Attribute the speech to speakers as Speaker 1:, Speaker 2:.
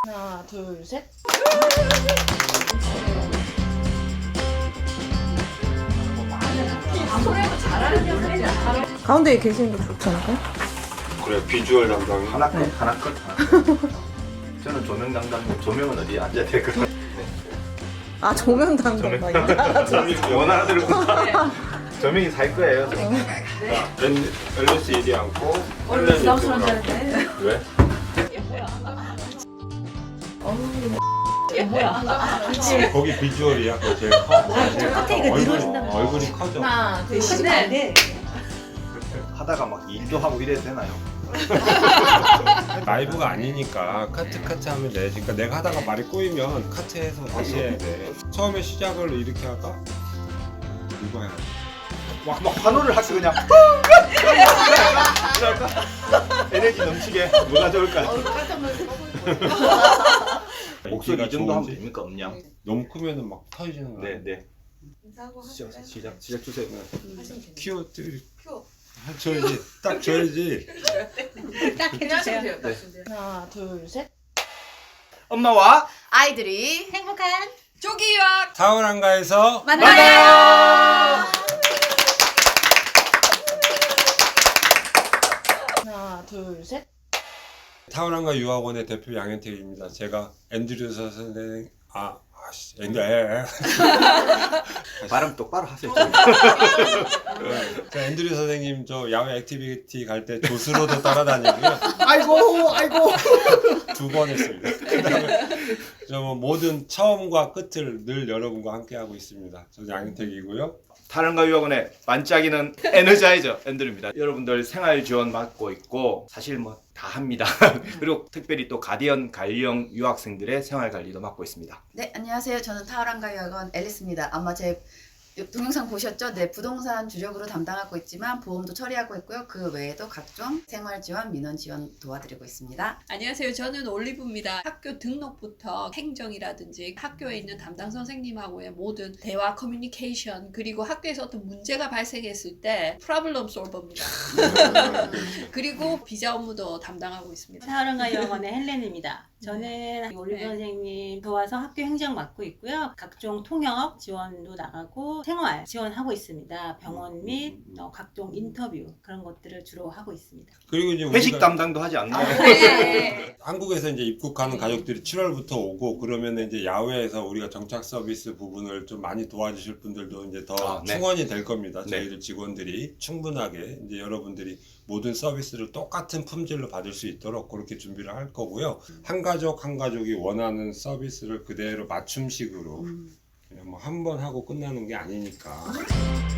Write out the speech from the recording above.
Speaker 1: 하나, 둘, 셋.
Speaker 2: 가운데에 계시는 거 좋지 않을까요?
Speaker 3: 그래, 비주얼 담당이
Speaker 4: 하나 끝, 하나 끝, 하나 끝. 저는 조명 담당, 조명은 어디 앉아야 될까요?
Speaker 2: 아, 조명 담당이요?
Speaker 4: 원하는 대로 조명이 살 거예요.
Speaker 3: 앨리스 이리 앉고
Speaker 1: 얼른 부담스러운 줄 알았네.
Speaker 3: 왜? 거기 비주얼이야. 그거 제일 커. 얼굴이 커져.
Speaker 1: 하나, 둘, 셋.
Speaker 4: 하다가 막 일도 하고 이래도 되나요?
Speaker 3: 라이브가 아니니까 카트 하면 돼. 그러니까 내가 하다가 말이 꼬이면 카트해서 다시 해야 돼. 처음에 시작을 이렇게 할까? 이거 해야 돼.
Speaker 4: 막 환호를 할게 그냥. 이럴까? 에너지 넘치게 뭐가 좋을까요? 목소리 이 정도 하면 됩니까? 음량?
Speaker 3: 너무 크면은 막 터지는 거야.
Speaker 4: 네. 시작 주세요.
Speaker 3: 키워드 줘야지. 딱 줘야지.
Speaker 1: 딱 해주세요.
Speaker 4: 네.
Speaker 1: 하나, 둘, 셋.
Speaker 4: 엄마와
Speaker 5: 아이들이 행복한
Speaker 1: 조기 유학
Speaker 3: 타월 한가에서
Speaker 5: 만나요.
Speaker 1: 하나, 둘, 셋.
Speaker 3: 타월 한가 유학원의 대표 양현택입니다. 제가 앤드류 선생님
Speaker 4: 발음 똑바로 하세요.
Speaker 3: 저 앤드류 선생님 저 야외 액티비티 갈 때 조수로도 따라다니고요.
Speaker 4: 아이고.
Speaker 3: 2번 했습니다. 그다음에 저 모든 처음과 끝을 늘 여러분과 함께 하고 있습니다. 저는 양현택이고요.
Speaker 4: 타른가 유학원의 반짝이는 에너자이저 앤드류입니다. 여러분들 생활 지원 맡고 있고 사실 뭐 다 합니다. 그리고 특별히 또 가디언 갈령 유학생들의 생활 관리도 맡고 있습니다.
Speaker 5: 네, 안녕하세요. 저는 타오랑가 유학원 앨리스입니다. 아마 제 동영상 보셨죠? 네, 부동산 주력으로 담당하고 있지만 보험도 처리하고 있고요. 그 외에도 각종 생활 지원, 민원 지원 도와드리고 있습니다.
Speaker 6: 안녕하세요. 저는 올리브입니다. 학교 등록부터 행정이라든지 학교에 있는 담당 선생님하고의 모든 대화 커뮤니케이션 그리고 학교에서 어떤 문제가 발생했을 때 프로블럼 솔버입니다. 그리고 비자 업무도 담당하고 있습니다.
Speaker 7: 타오랑가 유학원의 헬렌입니다. 저는 올리브 선생님 도와서 학교 행정 맡고 있고요. 각종 통역 지원도 나가고 생활 지원하고 있습니다. 병원 및 각종 인터뷰 그런 것들을 주로 하고 있습니다.
Speaker 3: 그리고 이제
Speaker 4: 회식
Speaker 3: 우리가
Speaker 4: 담당도 하지 않나요?
Speaker 3: 한국에서 이제 입국하는 가족들이 7월부터 오고 그러면 이제 야외에서 우리가 정착 서비스 부분을 좀 많이 도와주실 분들도 이제 더
Speaker 4: 네.
Speaker 3: 충원이 될 겁니다.
Speaker 4: 네.
Speaker 3: 저희들 직원들이 충분하게 이제 여러분들이 모든 서비스를 똑같은 품질로 받을 수 있도록 그렇게 준비를 할 거고요. 한 가족이 원하는 서비스를 그대로 맞춤식으로 그냥 뭐 한 번 하고 끝나는 게 아니니까.